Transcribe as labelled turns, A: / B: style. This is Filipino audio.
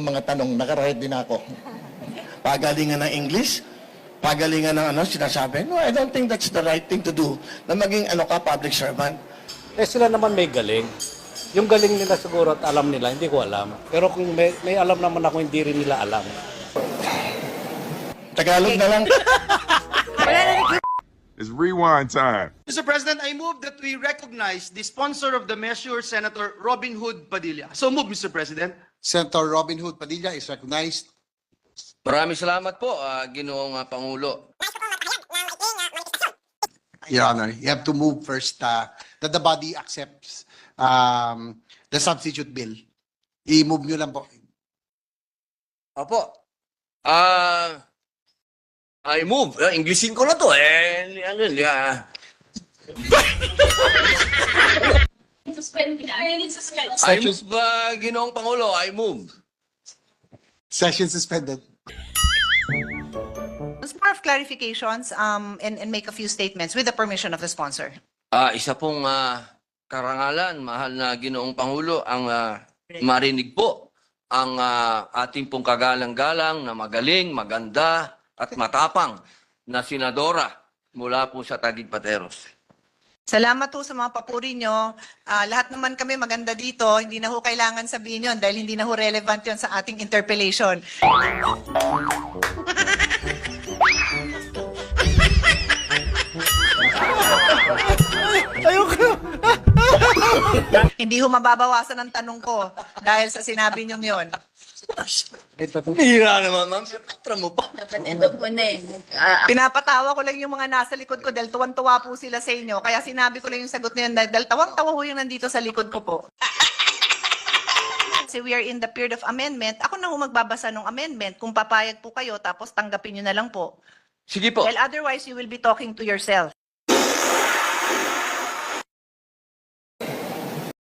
A: Mga tanong, nakarahit din ako. Pagalingan ng English, pagalingan ng sinasabi. No, I don't think that's the right thing to do na maging public servant.
B: Eh sila naman may galing. Yung galing nila siguro at alam nila, hindi ko alam. Pero kung may alam naman ako, hindi rin nila alam.
A: Tagalog na lang.
C: It's rewind time.
D: Mr. President, I move that we recognize the sponsor of the measure, Senator Robin Hood Padilla. So move, Mr. President.
E: Senator Robin Hood Padilla is recognized.
F: Maraming salamat po, Ginoong Pangulo.
E: Your Honor, you have to move first that the body accepts the substitute bill. I-move nyo lang po.
F: Opo. I move. Englishin ko na to. I move, Ginoong Pangulo. I move.
E: Session suspended.
G: It's more of clarifications and make a few statements with the permission of the sponsor.
F: Isa pong karangalan, mahal na Ginoong Pangulo, ang marinig po ang ating pong kagalang-galang na magaling, maganda at matapang na senadora mula po sa Taguig Pateros.
G: Salamat po sa mga papuri nyo. Lahat naman kami maganda dito. Hindi na ho kailangan sabihin yun dahil hindi na ho relevant yun sa ating interpellation. Hindi ho mababawasan ang tanong ko dahil sa sinabi nyo yun.
F: Hira naman, ma'am. Patra mo pa.
G: Pinapatawa ko lang yung mga nasa likod ko dahil tuwan-tuwa po sila sa inyo. Kaya sinabi ko lang yung sagot na yun dahil tawang-tawa ho yung nandito sa likod ko po. Kasi we are in the period of amendment. Ako na ho magbabasa ng amendment. Kung papayag po kayo, tapos tanggapin nyo na lang po.
F: Sige po.
G: Well, otherwise, you will be talking to yourself.